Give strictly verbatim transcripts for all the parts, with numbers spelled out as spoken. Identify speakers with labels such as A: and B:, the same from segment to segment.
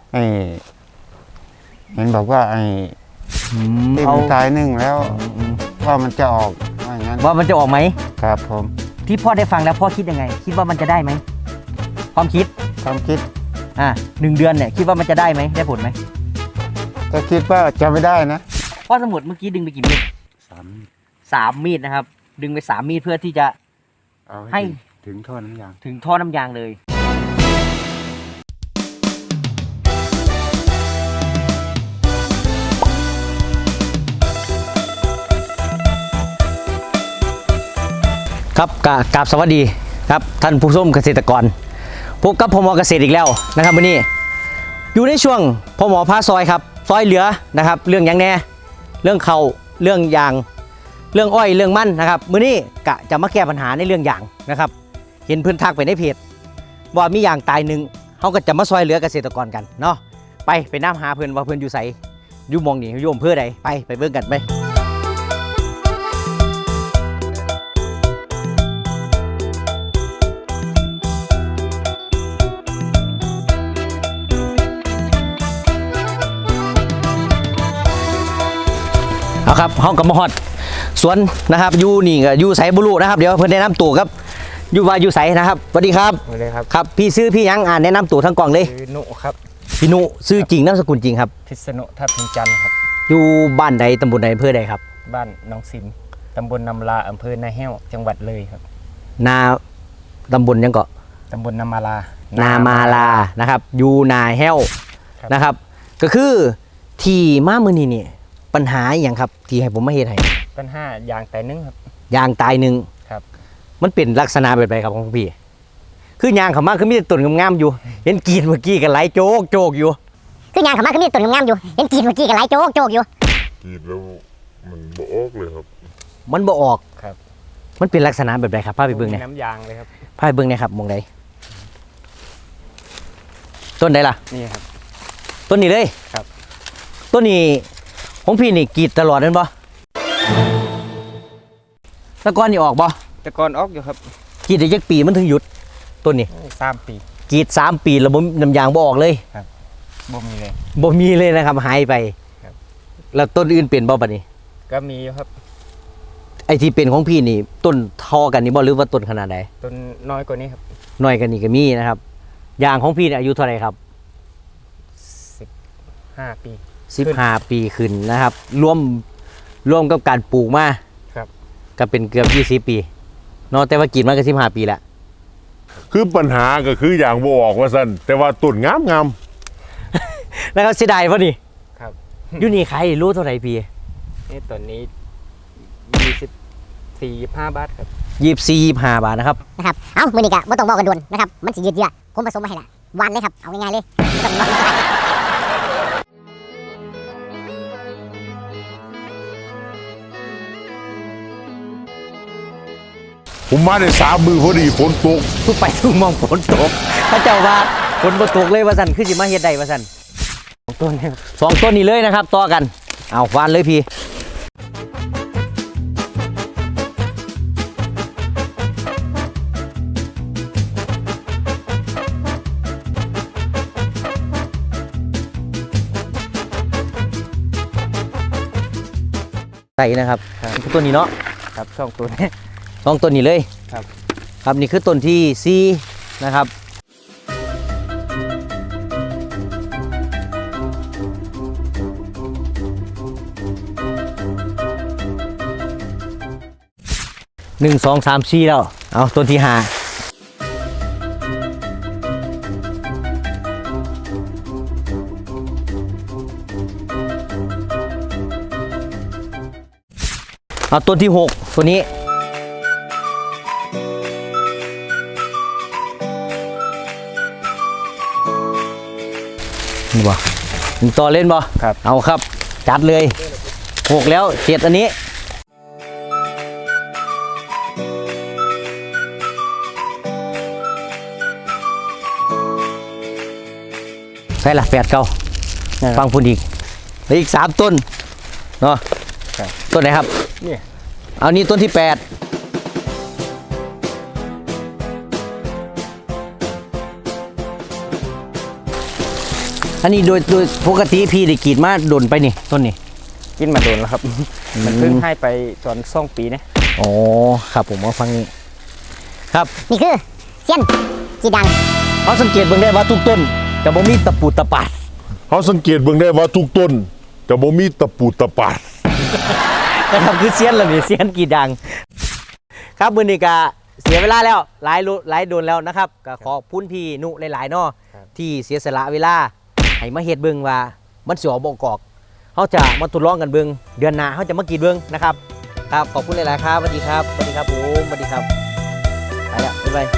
A: ไอ้เห็นบอกว่าไอ้ที่มันตายนึ่งแล้วว่ามันจะออกว่าอย่างนั้น
B: ว่ามันจะออกไหม
A: ครับผม
B: ที่พ่อได้ฟังแล้วพ่อคิดยังไงคิดว่ามันจะได้ไหมความคิด
A: ความคิด
B: อ่าหนึ่งเดือนเนี่ยคิดว่ามันจะได้ไหมได้ผลไหม
A: ก็คิดว่าจะไม่ได้นะ
B: พ่อสมุดเมื่อกี้ดึงไปกี่มีดสามสามมีดนะครับดึงไปสามมีดเพื่อที่จะให้
A: ถึงท่อน้ำยาง
B: ถึงท่อน้ำยางเลยครับกราบสวัสดีครับท่านผู้ชมเกษตรกรพบกับพมเกษตรอีกแล้วนะครับวันนี้อยู่ในช่วงพมพาซอยครับซอยเหลือนะครับเรื่องยังแน่เรื่องเขาเรื่องยางเรื่องอ้อยเรื่องมันนะครับมื้อนี้กะจะมาแก้ปัญหาในเรื่องยางนะครับเห็นเพื่อนทักไปในเพจว่ามียางตายหนึ่งเขาก็จะมาซอยเหลือเกษตรกรกันเนาะไปไปน้ำหาเพื่อนว่าเพื่อนอยู่ใส่อยู่มองนี่อยู่อำเภอใดไปไปเบิ่งกันไปเอาครับห้องกับมอดสวนนะครับยูนี่กับยูใสบุรุนะครับเดี๋ยวเพื่อนแนะนำตัวครับยูวายูใสนะครับสวัสดีครับ
C: สวัสดีครับ
B: ครับพี่ซื้อพี่ยังอ่านแนะนำตัวทั้งกล่องเลย
C: พี่นุครับ
B: พี่นุซื้อจริงนามสกุลจริงครับ
C: พิษณุทับทิมจันทร์ครับ
B: อยู่บ้านใดตำบลใดอำเภอใดครับ
C: บ้านน้องซิมตำบลนำลาอำเภอนาแห้วจังหวัดเลยครับ
B: นาตำบลยังเกาะ
C: ตำบลนามาลา
B: นามาลานะครับอยู่นาแห้วนะครับก็คือที่มามือนี่เนี่ยปัญหาอย่างครับที่ให้ผมมาเฮ็ดให้
C: ปัญหายางตายนึ่งครับ
B: ยางตายหนึ่ง
C: ครับ
B: มันเป็นลักษณะแบบไรครับของพี่คือยางเขามาคือมีแต่ต้นงามๆอยู่เห็นกีดเมื่อกี้กันไหลโจกโจกอยู่
D: คือยางเขามาคือมีแต่ต้นงามๆอยู่เห็นกีดเมื่อกี้กันไหลโจกโจกอยู่
E: กีดแล้วมันบ่ออกเลยครับ
B: มันบ่ออก
C: ครับ
B: มันเป็นลักษณะแบบไรครับพาไปเบิ่งเนี่ย
C: น้ำยางเลยครับ
B: พาไปเบิ่งเนี่ยครับมองใดต้นใดล่ะ
C: นี่ครับ
B: ต้นนี้เลย
C: ครับ
B: ต้นนี้ของพี่นี่กีดตลอดนั่นบ่ตะกอนนี่ออกบ่
C: ตะกอนออกอยู่ครับ
B: กีดได้จักปีมันถึงหยุดต้นนี้
C: สามปี
B: กีดสามปีแล้วบ่น้ำยางบ่ออกเลย
C: ครับบ่มีเลย
B: บ่มีเลยนะครับหายไป
C: ครับ
B: แล้วต้นอื่นเป็นบ่บัดนี้
C: ก็มีอยู่ครับ
B: ไอ้ที่เป็นของพี่นี่ต้นทอกันนี่บ่หรือว่าต้นขนาดใด
C: ต้นน้อยกว่านี้ครับ
B: น้อยกันนี่ก็มีนะครับยางของพี่เนี่ยอายุเท่าไหร่ครับ
C: สิบห้าปี
B: สิบห้าปีขึ้นนะครับรวมรวมกับการปลูกมา
C: ครับ
B: ก็เป็นเกือบยี่สิบปีเนาะแต่ว่ากินมาก็สิบห้าปีแล้ว
E: คือปัญหาก็คืออย่างบ่ออกว่าซั่นแต่ว่าต้นงามงาม
B: แล้วก็เสียดายป่ะนี่
C: ครับ
B: อยู่นี่ใครรู้เท่าไหร่พี่
C: นี่ต้นนี้ยี่สิบสี่ยี่ห้าบาทครับ
B: ยี่สิบสี่ยี่ห้าบาทนะครับ
D: นะครับเอ้ามือนี้กะบ่ต้องบอกกันด่วนนะครับมันสิยืดเยื้อผมผสมมาให้ละวันเลยครับเอาง่ายๆเลยไม่ต้องรอ
E: ผมมาได้สามมือพอดีฝนตก
B: ทุกไปทุกมองฝนตกพระเจ้าว่าฝนบ่ตกเลยว่าซั่นคือสิมาเฮ็ดได้ว่าซั่นสองต้นสองต้นนี้เลยนะครับต่อกันเอาวานเลยพี่ใส่นะครับต้นนี้เนาะ
C: ครับสองต้น
B: สองต้นนี้เลย
C: ครับ
B: ครับนี่คือต้นที่สี่นะครับหนึ่งสองสามสี่แล้วเอาต้นที่ห้าเอาต้นที่หกตัวนี้นี่บ่ต่อเล่นบ่
C: ครับ
B: เอาครับจัดเลยหกแล้วเจ็ดอันนี้ใช่ละแปดเก้าฟังพูดอีกแล้วอีกสามต้นเนาะต้นไหนครับ
C: นี่
B: เอานี่ต้นที่แปดอันนี้โดยโดยปกติพี่ได้กรีดมาโดนไปนี่ต้นนี่
C: กินมาโดนแล้วครับ มันเพิ่งให้ไปตอนสองปีนะ
B: อ๋อครับผมมาฟังนี้ครับ
D: นี่คือเซียนจีดัง
B: เขาสังเกตเบิ่งได้ว่าทุกต้นจะบ่มีตะปูตะปาด
E: เขาสังเกตเบิ่งได้ว่าทุกต้นจะบ่มีตะปูตะปาด
B: นะครับคือเซียนละนี่เซียนกี่ดัง ครับมือนี้ก็เสียเวลาแล้วหลายรู้หลายโดนแล้วนะครับก็ขอบคุณพี่นุหลายๆเนาะที่เสียสละเวลาให้มาเฮ็ดเบิ่งว่ามันสิออกบ่กอกเขาจะมาทดลองกันเบิ่งเดือนหน้าเขาจะมากรีดเบิ่งนะครับครับขอบคุณหลายๆครับสวัสดีครับสวัสดีครับผมสวัสดีครับไปแล้วบ๊ายบาย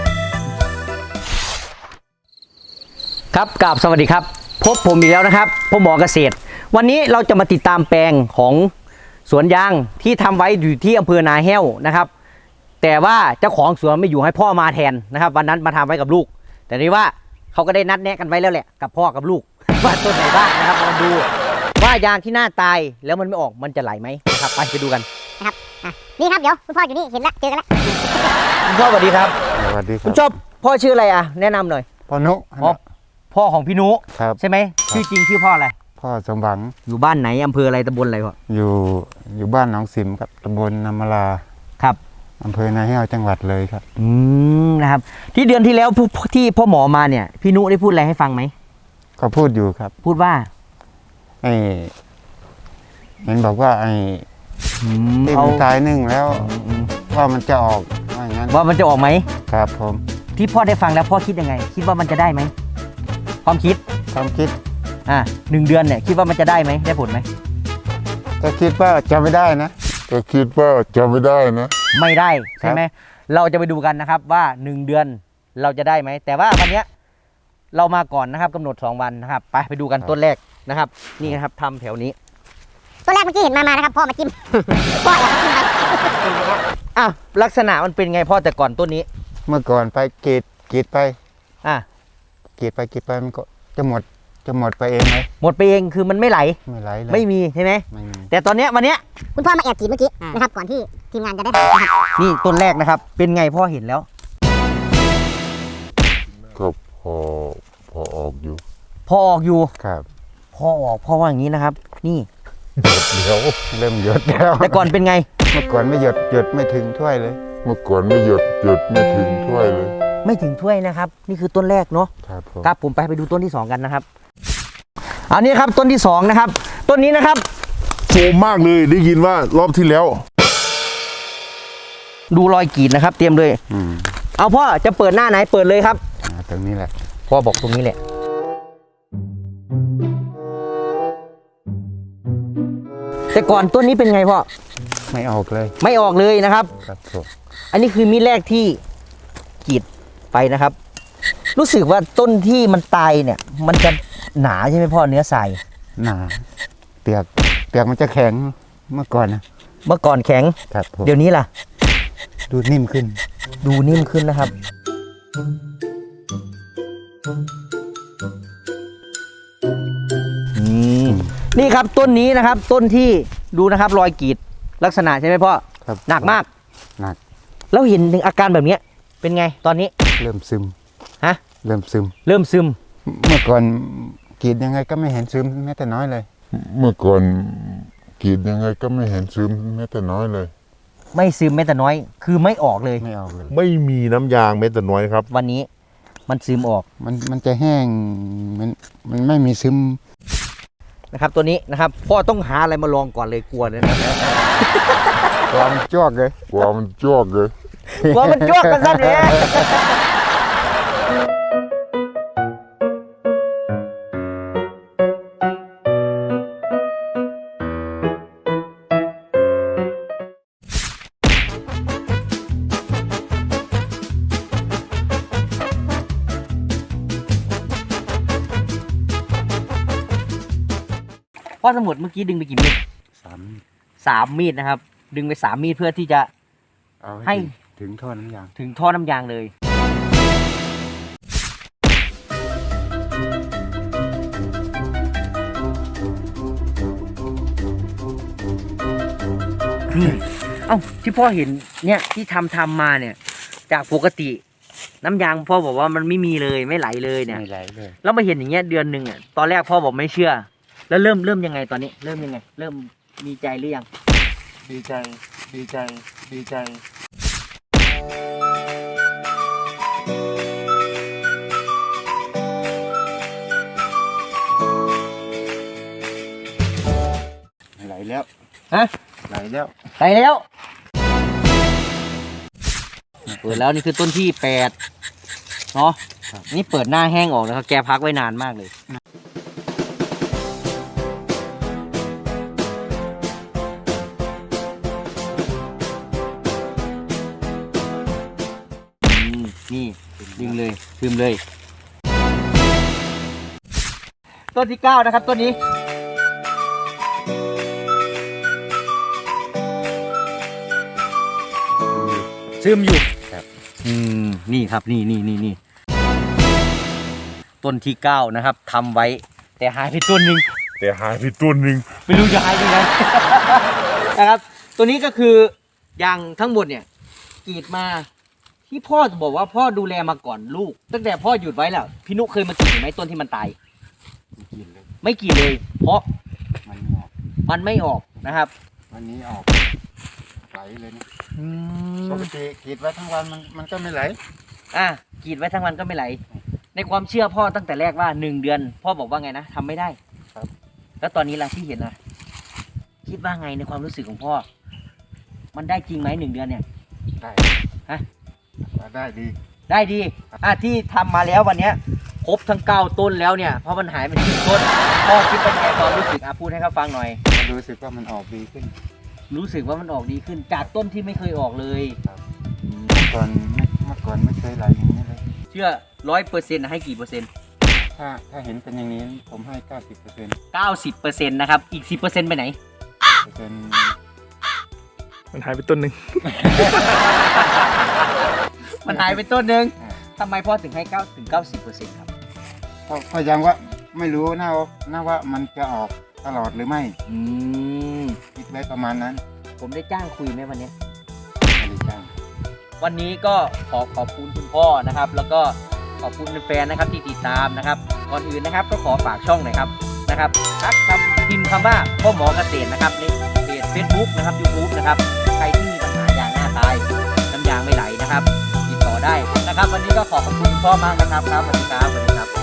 B: ครับกราบสวัสดีครับพบผมอีกแล้วนะครับพ่อหมอเกษตร วันนี้เราจะมาติดตามแปลงของสวนยางที่ทำไว้อยู่ที่อำเภอนาแห้วนะครับแต่ว่าเจ้าของสวนไม่อยู่ให้พ่อมาแทนนะครับวันนั้นมาทำไว้กับลูกแต่นี่ว่าเขาก็ได้นัดแนะกันไว้แล้วแหละกับพ่อกับลูก ว่าต้นไหนบ้างนะครับมาดูว่ายางที่หน้าตายแล้วมันไม่ออกมันจะไหลไหมนะครับไปไปดูกัน
D: นะครับอ่ะนี่ครับเดี๋ยวคุณพ่ออยู่นี่เห็นแล้วเจอกันแล้ว
B: คุณพ่อสวัสดีครับ
A: สวัสดีค
B: คุ
A: รั
B: ณ
A: บ
B: ชอบพ่อชื่ออะไรอ่ะแนะนำหน่อย
A: พ่อนุ
B: อ๋อพ่อของพี่นุ
A: ครับ
B: ใช่ไหมชื่อจริงชื่อพ่ออะไร
A: พ่อสมหวัง
B: อยู่บ้านไหนอำเภออะไรตำบลอะไรพ่อ
A: อยู่อยู่บ้านหนองสิมครับตำบลนามลา
B: ครับ
A: อำเภอนาแห้วจังหวัดเลยครับ
B: อืมนะครับที่เดือนที่แล้วผู้ที่พ่อหมอมาเนี่ยพี่นุได้พูดอะไรให้ฟังไหม
A: ก็พูดอยู่ครับ
B: พูดว่า
A: ไอ้เห็นบอกว่าไอ้
B: อืม
A: ที่
B: เอา
A: มันตายนึ่งแล้ว
B: อืม
A: ว่ามันจะออกว่าอย่างนั้น
B: ว่ามันจะออกไหม
A: ครับผม
B: ที่พ่อได้ฟังแล้วพ่อคิดยังไง คิดว่ามันจะได้ไหมความคิด
A: ความคิด
B: อ่าหนึ่งเดือนเนี่ยคิดว่ามันจะได้ไหมได้ผลไหม
A: ก็คิดว่าจะไม่ได้นะ
E: ก็คิดว่าจะไม่ได้นะ
B: ไม่ได้ใช่ไหมเราจะไปดูกันนะครับว่าหนึ่งเดือนเราจะได้ไหมแต่ว่าวันเนี้ยเรามาก่อนนะครับกำหนดสองวันนะครับไปไปดูกันต้นแรกนะครับ นี่นะครับทำแถวนี้
D: ตัวแรกเมื่อกี้เห็นมามานะครับพ่อมาจิ้ม พ่อแอบมาจิ้มไป
B: อ่ะลักษณะมันเป็นไงพ่อแต่ก่อนต้นนี้
A: เมื่อก่อนไปกรีดกรีดไป
B: อ่ะ
A: กรีดไปกรีดไปมันก็จะหมดจะหมดไปเองไหม
B: หมดไปเองคือมันไม่ไหล
A: ไม่ไหลเลย
B: ไม่มีใช่ไหม
A: ไม่มี
B: แต่ตอนเนี้ยวันเนี้ย
D: คุณพ่อมาแอบกรีดเมื่อกี้นะครับก่อนที่ทีมงานจะได้ถ่ายนะครับ
B: นี่ต้นแรกนะครับ เป็นไงพ่อเห็นแล้ว
E: ก็พอพอออกอยู่
B: พอออกอยู่
A: ครับ
B: พอออกพ่อว่าอย่างนี้นะครับ นี่
E: เดี๋ยว
A: เริ่มหยดแล้ว
B: แต่ก่อนเป็นไง
A: เมื่อก่อนไม่หยดหยดไม่ถึงถ้วยเลย
E: เมื่อก่อนไม่หยดหยดไม่ถึงถ้วยเลย
B: ไม่ถึงถ้วยนะครับ นี่คือต้นแรกเนาะ
A: ครับผม
B: ครับผมไปไปดูต้นที่สองกันนะครับอันนี้ครับต้นที่สองนะครับต้นนี้นะครับ
E: โซมมากเลยได้ยินว่ารอบที่แล้ว
B: ดูรอยกรีดนะครับ เตรียมเลย
A: อืม
B: เอาพ่อจะเปิดหน้าไหนเปิดเลยครับ
A: อ่าตรงนี้แหละ
B: พ่อบอกตรงนี้แหละแต่ก่อนต้นนี้เป็นไงพ่อ
A: ไม่ออกเลย
B: ไม่ออกเลยนะครับ
A: ครับผม
B: อันนี้คือมีดแรกที่กรีดไปนะครับ รู้สึกว่าต้นที่มันตายเนี่ย มันจะหนาใช่ไหมพ่อเนื้อทราย
A: หนาเปียกเปียกมันจะแข็งเมื่อก่อนนะ
B: เมื่อก่อนแข็ง
A: ครับผม
B: เดี๋ยวนี้ล่ะ
A: ดูนิ่มขึ้น
B: ดูนิ่มขึ้นนะครับอืมนี่ครับต้นนี้นะครับ ต้นที่ดูนะครับรอยกรีดลักษณะใช่ไหมพ่อ
A: ครับ
B: หนักมาก
A: หนัก
B: แล้วเห็นถึงอาการแบบเนี้ยเป็นไงตอนนี้
A: เริ่มซึม
B: ฮะ
A: เริ่มซึม
B: เริ่มซึม
A: เมื่อก่อนกรีดยังไงก็ไม่เห็นซึมแม้แต่น้อยเลย
E: เมื่อก่อนกรีดยังไงก็ไม่เห็นซึมแม้แต่น้อยเลย
B: ไม่ซึมแม้แต่น้อย คือไม่ออกเลย
A: ไม่ออกเลย
E: ไม่มีน้ำยางแม้แต่น้อยครับ
B: วันนี้มันซึมออก
A: มันมันจะแห้งมันมันไม่มีซึม
B: นะครับ ตัวนี้นะครับพ่อต้องหาอะไรมาลองก่อนเลยกลัวเลยนะ
A: ความจวกเลย
E: กว่ามันจวกเลย
B: กลัวมันจ้วกกันซะเลย พ่อสมุดเมื่อกี้ดึงไปกี่มีด
A: สาม
B: สามมีดนะครับ ดึงไปสามมีดเพื่อที่จะ
A: เอา
B: ให้
A: ให้ถึงท่อน้ำยาง
B: ถึงท่อน้ำยางเลย นี่ เอ้าที่พ่อเห็นเนี่ยที่ทำทำมาเนี่ย จากปกติน้ำยางพ่อบอกว่ามันไม่มีเลยไม่ไหลเลยเนี่ย
A: ไม่ไหลเลย
B: แล้วมาเห็นอย่างเงี้ยเดือนหนึ่งอ่ะตอนแรกพ่อบอกไม่เชื่อ แล้วเริ่มเริ่มยังไงตอนนี้ เริ่มยังไง เริ่มมีใจหรือยัง
A: ดีใจ ดีใจ ดีใจ ไหลแล้ว
B: ฮะ
A: ไหลแล้ว
B: ไปแล้วเปิดแล้วนี่คือต้นที่แปดเนาะนี่เปิดหน้าแห้งออกแล้วครับแกพักไว้นานมากเลยอืมนี่ดึงเลยดึงเลย ต้นที่เก้านะครับต้นนี้ซึมอยู่
A: ครับ
B: อืมนี่ครับนี่นี่นี่นี่ต้นที่เก้านะครับทำไว้ แต่หายไปต้นหนึ่ง
E: แต่หายไปตัวหนึ่ง
B: ไม่รู้จะหายไปไหน นะครับ ตัวนี้ก็คือยางทั้งหมดเนี่ยกรีดมาที่พ่อบอกว่าพ่อดูแลมาก่อนลูก ตั้งแต่พ่อหยุดไว้แล้วพี่นุเคยมากรีดไหมต้นที่มันตาย
A: กินเลย
B: ไม่กรีดเลย เพราะ
A: มันไม่ออก
B: มันไม่ออกนะครับ
A: วันนี้ออก ไหลเลยนะปกติกรีดไว้ทั้งวันมันมันก็ไม่ไหล
B: อ่ะกรีดไว้ทั้งวันก็ไม่ไหล ในความเชื่อพ่อตั้งแต่แรกว่าหนึ่งเดือน พ่อบอกว่าไงนะทำไม่ได้
A: ครับ
B: แล้วตอนนี้ล่ะที่เห็นนะคิดว่าไงในความรู้สึกของพ่อ มันได้จริงไหมหนึ่งเดือนเนี่ย
A: ได้
B: ฮะ
A: ได้ดี
B: ได้ดีอ่ะที่ทำมาแล้ววันเนี้ยครบทั้งเก้าต้นแล้วเนี่ยเพราะมันหายไปที่ต้นพ่อคิดเป็นไงความรู้สึกอ่ะพูดให้เขาฟังหน่อย
A: รู้สึกว่ามันออกดีขึ้น
B: รู้สึกว่ามันออกดีขึ้น จากต้นที่ไม่เคยออกเลย
A: เมื่อก่อนไม่เมื่อก่อนไม่เคยไหลอย่างนี้เลย
B: เชื่อร้อยเปอร์เซ็นต์ให้กี่เปอร์เซ็นต์
A: ถ้าถ้าเห็นเป็นอย่างนี้ผมให้เก้าสิบเปอร์เซ็นต์
B: เก้าสิบเปอร์เซ็นต์นะครับอีกสิบเปอร์เซ็นต์ไปไหน
A: เปอร์เซ็นต์
C: มันหายไปต้นหนึ่ง
B: มันหายไปต้นหนึ่งทำไมพ่อถึงให้เก้าถึงเก้าสิบเปอร์เซ็นต์ครับ
A: เพราะเพราะยังว่าไม่รู้นะว่านะว่ามันจะออกตลอดหรือไม่
B: อืม
A: คิดไว้ประมาณนั้น
B: ผมได้จ้างคุยไหมวันเนี้ย
A: ไม่ได้จ้าง
B: วันนี้ก็ขอขอบคุณคุณพ่อนะครับ แล้วก็ขอบคุณแฟนๆนะครับที่ติดตามนะครับก่อนอื่นนะครับก็ขอฝากช่องหน่อยครับนะครับทักคำพิมพ์คำว่าพ่อหมอเกษตรนะครับในเพจ Facebook นะครับ YouTube นะครับใครที่มีปัญหายางหน้าตายน้ำยางไม่ไหลนะครับติดต่อได้นะครับ วันนี้ก็ขอขอบคุณคุณพ่อมากนะครับครับสวัสดีครับสวัสดีครับ